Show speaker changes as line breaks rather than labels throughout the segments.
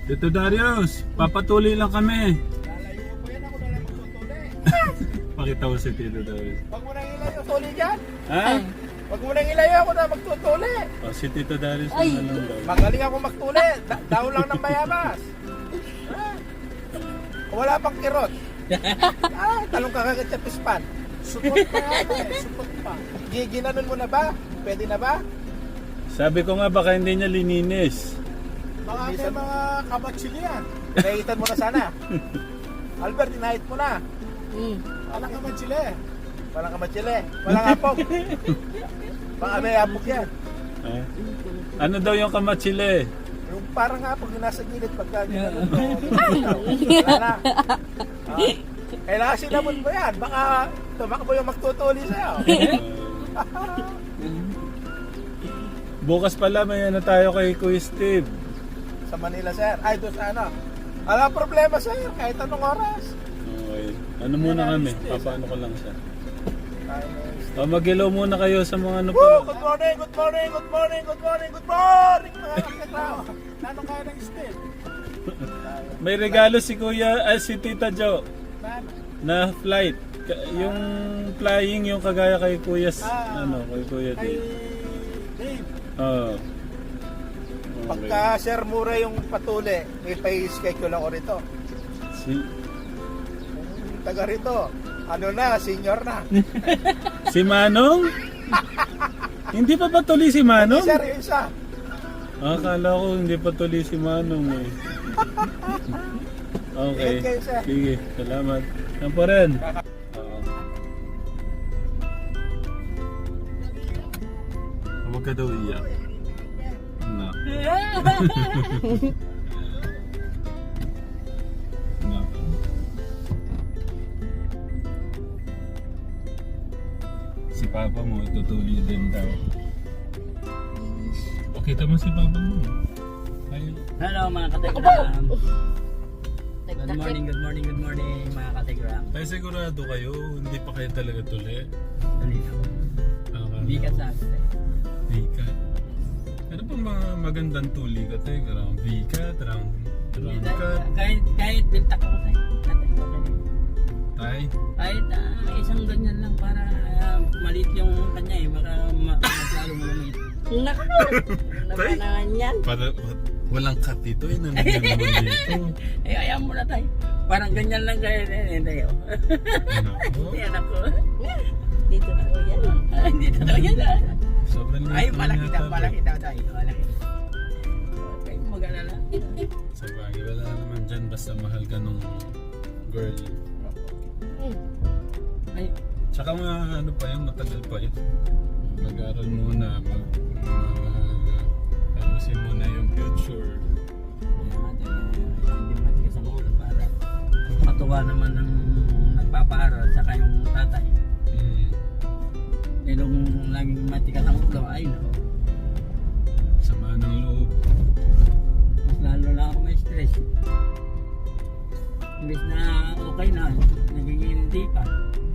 Tito Darius, papatuloy lang kami.
Lalayo ko yan, ako na lang magtutuli.
Pakita ko si Tito Darius.
Wag mo nang ilayo, tuli dyan.
Ha?
Wag mo nang ilayo, ako na magtutuli.
Oh, si Tito Darius
Ay.
na lang daw.
Magaling ako magtuli. Daw lang ng bayabas. Wala pang kirot. Talong ka kagad sa pispan. Supot pa yan eh, supot pa. Ginanon mo na ba? Pwede na ba?
Sabi ko nga baka hindi niya lininis.
Mga may mga kabatsili yan. Nahitan mo na sana. Albert, inahit mo na. Walang kamatsili. Walang kamatsili. Walang apok. Baka may apok yan.
Eh? Ano daw yung kamatsile?
Yung parang apok yung nasa gilid pagka ginanon mo. Wala na. Kailangan sinabon mo yan. Baka tumakbo yung magtutuli sa'yo.
Bukas pala may ano tayo kay Kuya Steve.
Sa Manila, sir. Ay, doon sa ano. Wala problema, sir. Kahit anong oras.
Okay. Ano muna kami? Papaano ko lang siya. Mag-hello muna kayo sa mga ano
Woo!
pa.
Good morning, good morning, good morning, good morning, good morning, mga kakatao. Nanong kaya ng steel?
May regalo si Kuya, si Tita Jo
Nano?
na flight. Yung flying yung kagaya kay Kuya kay Kuya
Kay
Dave.
Dave.
Oh.
Pagka Sir Mura yung patuli, may pay-schedule ako rito.
Si
Taga rito. Ano na, senior na.
si Manong? Hindi pa tuloy si Manong?
Sir, yung isa.
Akala ko hindi pa tuloy si Manong eh. Okay.
Ingat kayo, sir.
Sige, salamat. Yan pa rin. Oo. Huwag ka daw iyak. No. No. Si Papa mo, tutuloy din daw. Okay, tama si Papa mo. Ay,
Hello mga kategram. Good morning, good morning, good morning mga kategram.
ay sigurado kayo, hindi pa kayo talaga tuli.
Dali na. Hindi ka sabi.
Vika. Ano pang mga magandang tuli ka tayo? Karang Vika, tarang ka.
Kahit bintak ko sa'yo.
Tay.
Kahit isang ganyan lang para maliit yung kanya eh. Baka maglalo mo naman ito.
Naku!
Tay?
Naman yan.
Para walang cut dito, nandiyan naman dito.
Eh ayaw mo na tayo. Parang ganyan lang kayo. Tayo.
Nako.
Yan ako.
Dito na po yan.
Hindi totoo yan.
Sobrang
Ay
liit
malaki
yata,
daw, malaki daw tayo. Malaki. Okay, mag-alala.
Sa bagay, wala naman dyan basta mahal ka nung girl.
Ay,
Tsaka mga ano pa yun, matagal pa yun. Mag-aral muna, ayusin mo na yung future.
hindi matigas ang ulo para matuwa naman ng nagpapaaral saka yung tatay. Eh nung laging matigas ang ulo, ay nako,
Sama ng loob.
mas lalo na ako may stress. Imbis na okay na, naging hindi pa.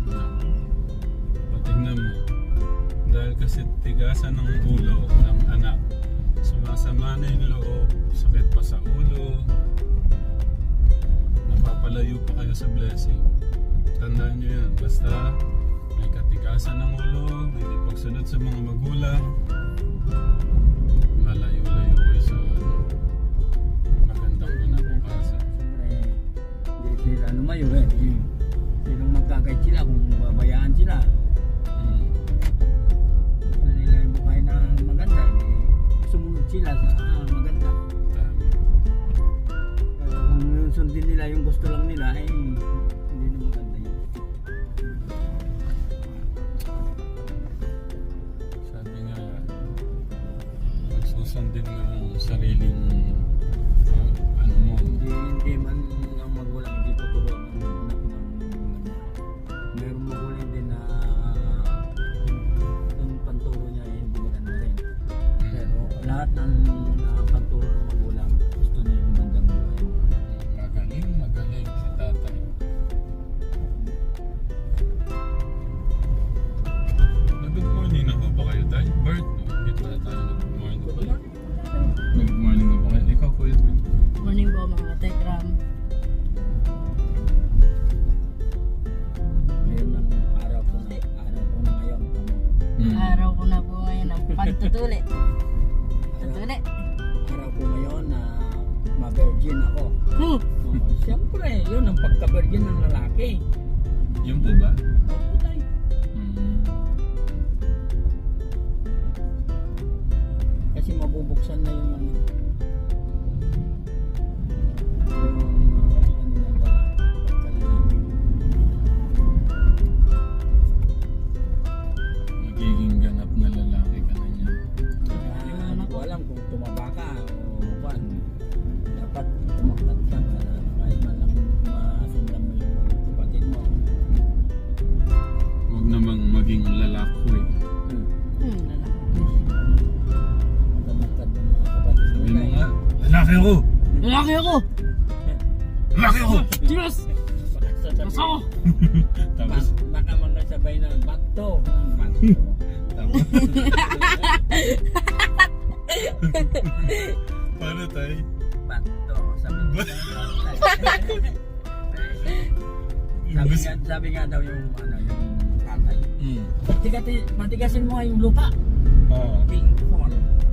Patignan mo. Dahil kasi tigasan ng ulo ng anak, sumasama na yung loob, sakit pa sa ulo, napapalayo pa kayo sa blessing. Tandaan nyo yan, basta may katigasan ng ulo, hindi pagsunod sa mga magulang, malayo-layo kayo sa magandang kinabukasan.
Siyempre, hindi sila lumayo eh. Sinong magkakait sila kung babayaan sila. Gusto nila yung buhay na maganda, sumunod sila sa maganda.
Tama.
Pero kung yung sundin nila yung gusto lang nila, ay hindi na maganda yun.
Sabi nga, magsusundin mo yung sariling ano mo.
Hindi man ang magulang hindi tuturo ng anak ng mayroong magulang din na yung panturo niya ay hindi maganda rin. Pero lahat ng panturo ng magulang gusto niya yung magandang buhay.
Magaling si tatay. Good morning na ba kayo tayo? Bert, no? Hindi pala tayo nag-good morning. Good morning na ba kayo? Ikaw, Kuya Bert.
Morning po Tuli. Tuli.
Araw ko ngayon na ma-virgin ako.
Hmm.
Oh, siyempre, yun ang pagka-virgin ng lalaki.
Yun po ba?
Opo tayo. Kasi mabubuksan na yung ano ng lalaki.
Magiging ganap na lalaki ka na niya.
Kaya hindi ko alam kung tumaba ka o kwan. Dapat tumaklat ka para kahit man lang masundan mo yung mga kapatid mo.
Huwag namang maging lalako eh.
Tumaklat ng mga kapatid mo.
Sabi mo nga, lalaki ako!
Lalaki ako!
Lalaki ako!
Diyos! Diyos ako!
Tapos,
Baka magkasabay na bato. Bato.
tapos. Paano tayo?
Bato. Sabi nga daw yung ano yung tatay. Matigasin mo nga yung lupa.
Oo.
Pink form.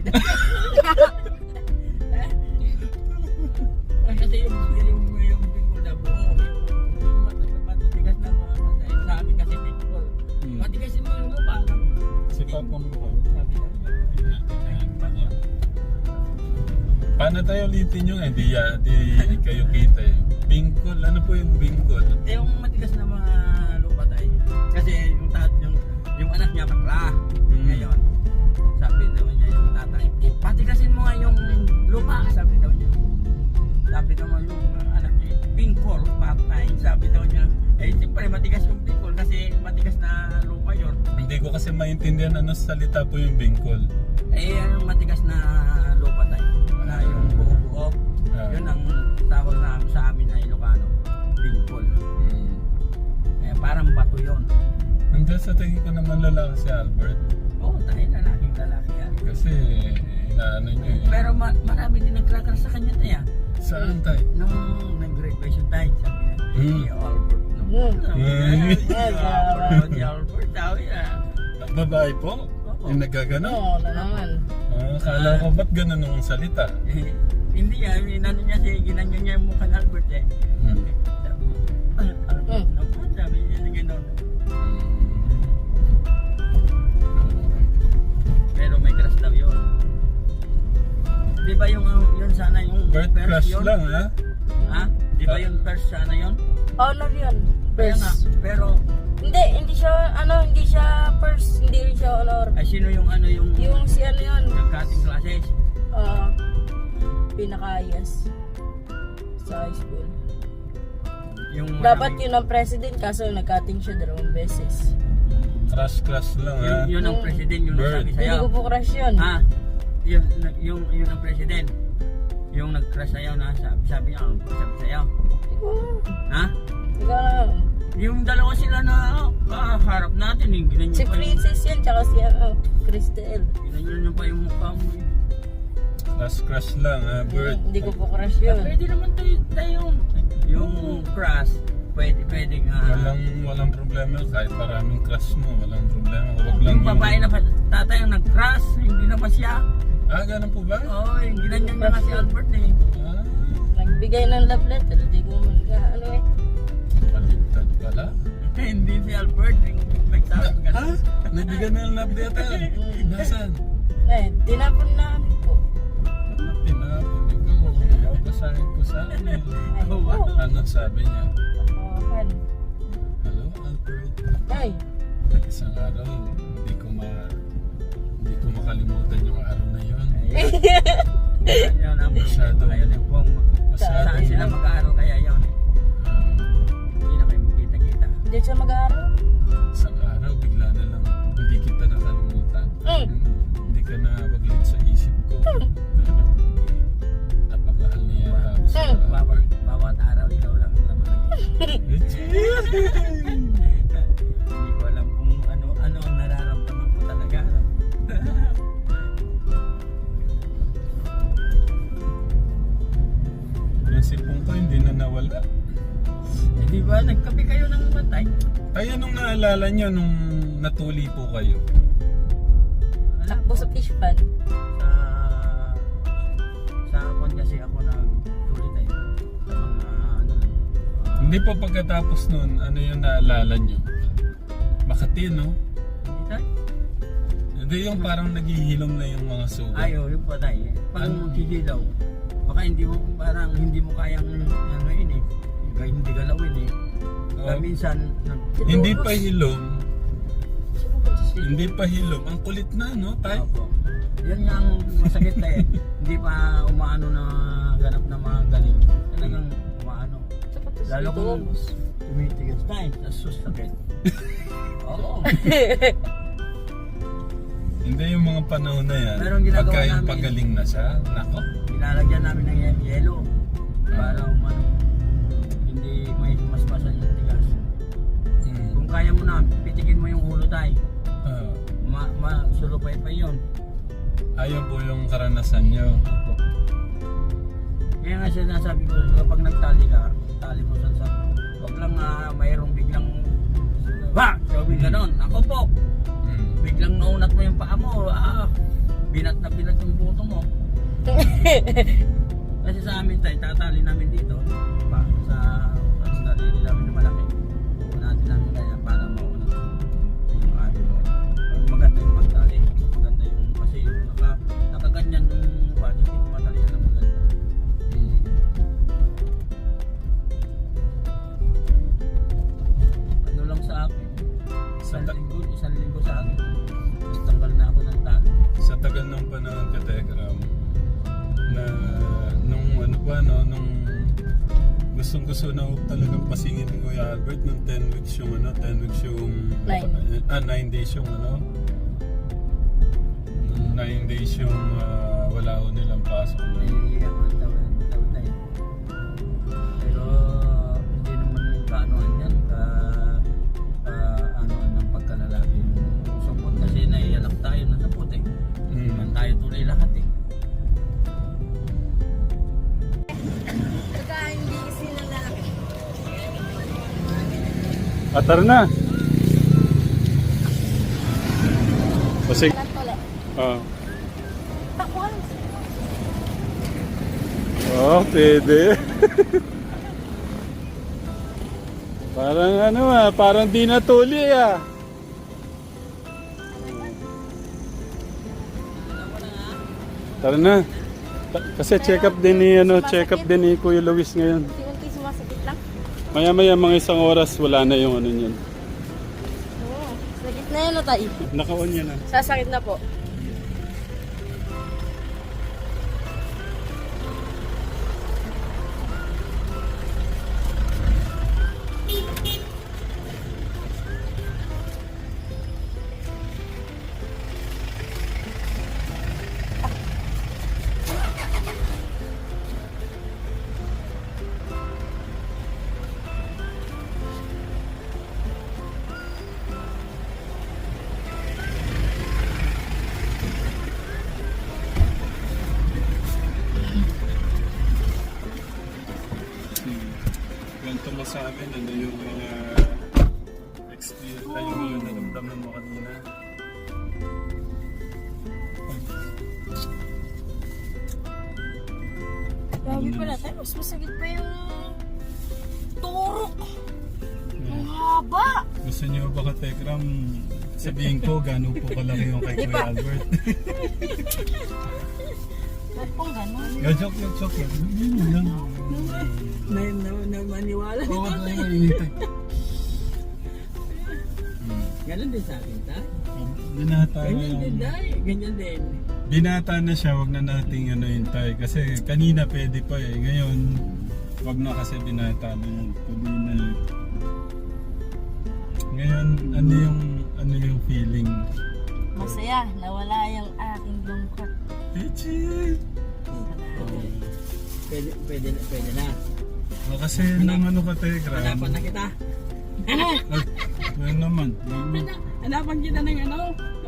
Kasi yung pink na buo. Yung matatigas na mga patay. Sa amin kasi pink form. Matigasin mo yung lupa.
Si Papa mo po.
Sabi nga.
Paano tayo ulitin yung di kayo kita eh. Bingkol, ano po yung bingkol?
Yung matigas na mga lupa tayo. Kasi yung anak niya bakla. Ngayon, sabi daw niya yung tatay, patigasin mo nga yung lupa, sabi daw niya. Sabi naman yung anak niya, bingkol, patay. Sabi daw niya, siyempre matigas yung bingkol kasi matigas na lupa yun.
Hindi ko kasi maintindihan ano salita po yung bingkol.
Yung matigas na lupa tayo. Na yung buo-buo. Yun ang tawag na sa amin na Ilocano, bingkol. Parang bato yun.
Hanggang sa tingin ko naman lalaki si Albert.
Oo, tayo lalaking lalaki yan.
Kasi inaano niyo eh.
Pero marami din nagkakar sa kanya tayo.
Saan tayo?
Nung nag-graduation tayo, sabi niya, si Albert. Si Albert, sabi niya.
Babae po? Yung nagagano?
Oo, na naman.
Akala ko ba't ganun ang salita?
Hindi yan, inano niya ginanyan niya yung mukha ng Albert eh. Sabi niya, Albert naman, sabi niya na gano'n. Pero may crush daw yun. Di ba yung sana yung
Birth
first
crush
yun?
lang ha?
Ha? Di ba yung first sana yun?
Honor yun.
Kaya nga,
First.
pero
Hindi siya first, hindi rin siya honor.
ay sino yung ano yung
Si ano yun,
cutting classes?
pinaka-highest sa high school.
Yung
Dapat
maraming-
yun ang president kaso nag-cutting siya 2 beses.
Crush lang ha?
yun ang president yung
Bird.
nagsabi
Hindi
sa'yo.
ko po crush yun.
Yun ang president. Yung nag-crush sa'yo na sabi niya, ano sabi sa'yo?
Ikaw,
Ha?
ikaw lang.
Yung dalawa sila na kaharap natin, ginanyan
Si
pa yung,
Princess yan, tsaka si Cristel.
ginanyan pa yung mukha mo.
Crush lang ha? Bird.
Hindi ko po crush yun.
Pwede naman tayo yung crush, pwede nga.
Walang problema. Kahit maraming crush mo, walang problema. Huwag lang
Yung babae na tatay ang nag-crush, hindi naman siya.
ganun po ba?
Oo, ginanyan niya nga si Albert eh.
Ah,
Nagbigay ng love letter, hindi ko ano eh.
baliktad pala.
Hindi si Albert, yung nagsabi ka
Ha? Nabigyan na ng love letter. Nasaan?
Tinapon namin po.
Tinapon. Ikaw basahin ko sa amin. Ano sabi niya?
Akan.
Hello, Albert.
Ay,
Isang araw, hindi ko makalimutan yung araw na yun.
Yun ang
Masyado.
problema ngayon yung kung
Masyado.
saan sila mag-aaral kaya yun. Hindi na kayo magkita-kita.
hindi siya mag-aaral.
Isang araw, bigla na lang, hindi kita nakalimutan. Hindi ka na maglit sa isip ko. Napamahal niya ako sa Albert.
Bawat araw ikaw lang ang naman. Hindi ko alam kung ano ang nararamdaman ko talaga.
Yung sipong ko hindi na nawala.
Di ba nagkape kayo ng matay?
Ay, anong naalala niyo nung natuli po kayo?
Takbo sa fish pan.
Sa kon kasi ako nagtuloy tayo. Sa mga ano lang.
Hindi po pagkatapos nun, ano yung naalala nyo? Makati, no?
Hindi tayo.
Hindi yung parang naghihilom na yung mga sugat.
Ayaw, yung pa tayo. Pag
Ano?
magkikilaw, baka hindi mo kayang ano yun eh. Hindi galawin eh. Kaya
Oh.
minsan,
Hindi pa hilom. Hindi pa hilom. Ang kulit na, no? Tay?
Opo. Yan nga ang masakit na eh. Hindi pa umaano na ganap na mga galing. Talagang umaano. Lalo kung tumitigas na eh. Sa sakit. Oo.
Hindi yung mga panahon na yan.
Meron ginagawa
Pagka yung
namin.
pagaling na siya, nako.
Nilalagyan namin ng yelo. Para umano. Hindi may maspasan yung tigas.
Mm.
Kung kaya mo na, pitikin mo yung ulo tayo.
Ah.
Sulupay pa yun.
Ayun po yung karanasan nyo.
Opo. Kaya nga sinasabi ko, kapag nagtali ka, tali mo sa wag lang mayroong biglang sabi ganon, ako po.
Mm.
Biglang naunat mo yung paa mo, binat na binat yung buto mo. Kasi sa amin tayo, tatali namin dito, sa dalili namin na malaki. Unatin namin kaya para maunat yung ano mo. Maganda yung pagtali. Maganda yung, kasi yung nakaganyan yung hindi ko matalian na maganda.
Mm.
Ano lang sa akin,
Sa ta-
isang linggo sa akin. Tapos tanggal na ako ng tali.
sa tagal ng panahon ka, Tegram, na nung ano pa, no, nung gustong-gusto na ako talagang pasingin ni Kuya Albert nung 10 weeks yung 9 days yung nung 9 days yung wala ko nilang pasok na.
Naiiyak ang taon tayo. Pero hindi naman kaanoan yan, anoan ng pagkalalaki. Support kasi naiiyak tayo na sa puti. Naman tayo tuloy lahat eh.
Saka hindi kasi lalaki.
Atar na! Kasi,
Tole. Takbo ka lang.
pwede. Parang parang di natuli ah. Tara na. Kasi check up din ni Kuya Luis ngayon.
Unti-unti sumasakit lang.
Maya-maya mga isang oras wala na yung ano niyan.
Oo. Sakit na yan o tayo.
Naka-on yan ah.
Sasakit na po.
Ganito mo sa amin, ano yung mga experience tayo yung naramdaman mo kanina.
Grabe pala tayo. Mas masakit pa yung turok. Ang haba.
Gusto niyo ba ka Tekram sabihin ko gano'n po kalaki yung kay Kuya Albert?
Ba't pong gano'n?
Joke lang. Yun lang.
Na maniwala.
Oo, tayo mainitay.
Ganun din sa akin, ta?
Binata
Ganyan din, dahil. Ganyan din.
Binata na siya, wag na nating hintay. Kasi kanina pwede pa eh. Ngayon, wag na kasi binata na yun. Kanina eh. Ngayon, ano yung feeling?
Masaya. Nawala yung aking lungkot.
Pechi!
Pwede na.
Kasi nang ano ka Tekram.
Hanapan na kita.
Ngayon naman.
Hanapan kita ng ano.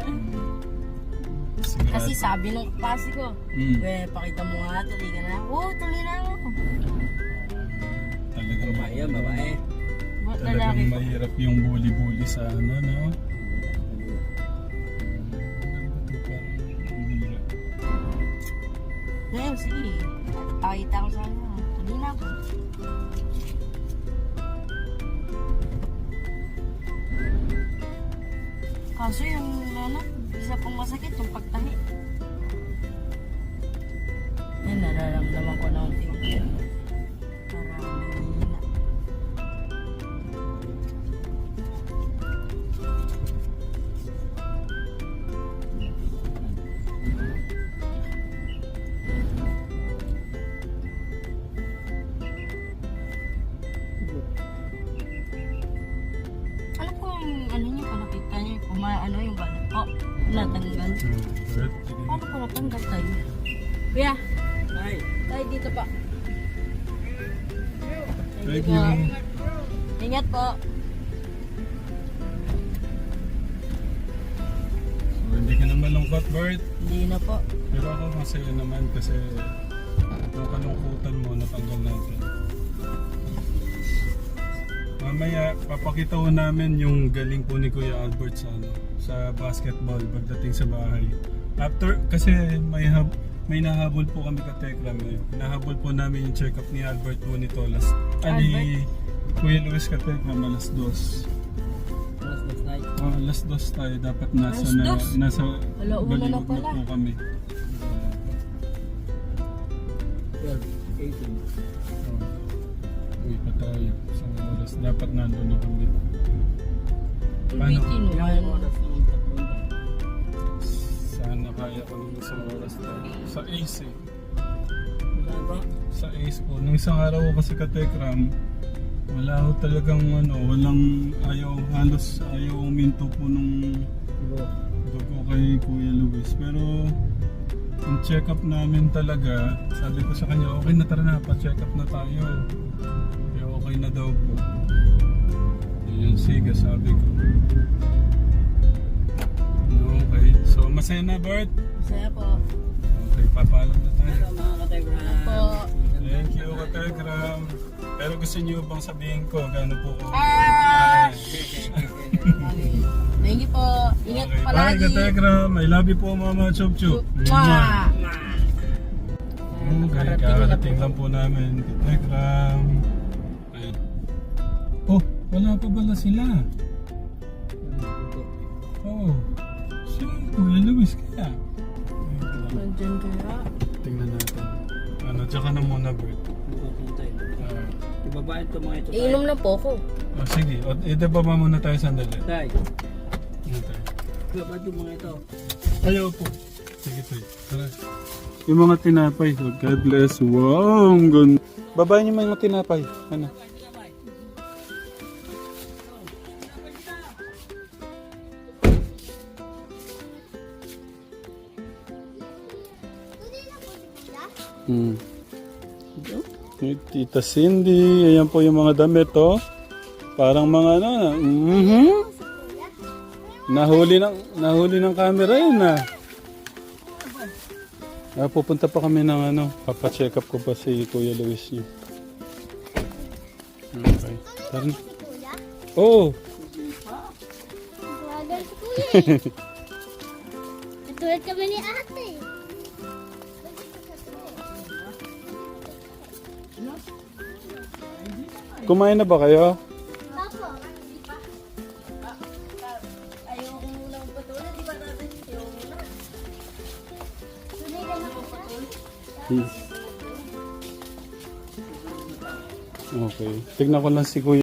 Kasi sabi nung kapasi ko, pakita mo nga, tuloy ka na. Oo, tuloy na ako.
Talagang
Babae yan, babae.
Lalaki
Talagang
ko.
mahirap yung bully-bully sa ano, no? Parang
Ngayon, sige. Pakita ko sa ano. Kanina po. Kaso yung ano, isa pong masakit, yung pagtahi. Yan, nararamdaman ko na unti-unti. Parang nanghihina. Alam ko yung ano niyo, nakita niyo, ano yung balat ko. Natanggal.
Bert,
Paano ko natanggal tayo? Kuya,
Tay.
tayo dito pa.
thank
po.
you.
Ingat po.
So, hindi ka na malungkot, Bert.
Hindi na po.
Pero ako masaya naman kasi yung kalungkutan mo natanggal natin. Mamaya, papakita ko namin yung galing po ni Kuya Albert sa, ano, sa basketball pagdating sa bahay. After, kasi may nahabol po kami ka Tekram eh. Nahabol po namin yung check-up ni Albert po nito ni Kuya Luis ka Tekram, alas 2.
Last night.
Alas 2 tayo, dapat nasa
Alas 2?
nasa
Alauna na
Baliwag na
pala.
po kami.
12, 18.
Uwi pa tayo. Isang oras. Dapat nandun na kami. Paano?
Ulitin mo.
Ilang oras naman papunta?
Sana kaya ko ng isang oras tayo. Sa Ace eh.
Wala ba?
Sa Ace po. Nung isang araw ko kasi ka-Tekram, wala ko talagang halos ayaw uminto po nung dugo kay Kuya Luis. Pero yung check-up namin talaga, sabi ko sa kanya, okay na tara na, pa-check up na tayo. Kaya okay na daw po. Yun, sige, sabi ko. Okay, so masaya na Bert?
Masaya po.
Okay, papaalam na tayo.
Hello mga kategram.
Po.
Thank you, Kategram. Pero gusto niyo bang sabihin ko gaano po ko?
Thank you po. Ingat
Okay, bye
palagi.
Kategram. I love you po Mama Chup Chup.
Mwah!
Okay, kakarating lang po namin. Kategram. Ayun. Oh, wala pa pala sila. Oh, si Kuya Luis kaya.
Nandiyan kaya.
Tingnan natin. Ano, tsaka na muna Bert.
Ibabayan ko mga ito.
Iinom na po ako.
Oh, sige, idababa muna tayo sandali.
Tay.
Ano tayo?
Ibabayan ko mga ito.
Ayaw po. Sige tayo. Tara. Yung mga tinapay. Oh, God bless. Wow, ang ganda. Babayin niyo mga tinapay. Ano? Hmm. May Tita Cindy. Ayan po yung mga damit, oh. Parang mga ano. Nahuli ng camera yun, ah. Pupunta pa kami ng ano. Papacheck up ko pa si Kuya Luis niyo. Okay. Tara na. Oo.
Vlogger si Kuya. Katulad kami ni ate.
Kumain na ba kayo?
Papo.
Ayaw ko muna magpatuloy. Di ba natin ayaw muna?
Tunay ka na magpatuloy.
Okay. Tignan ko lang si Kuya.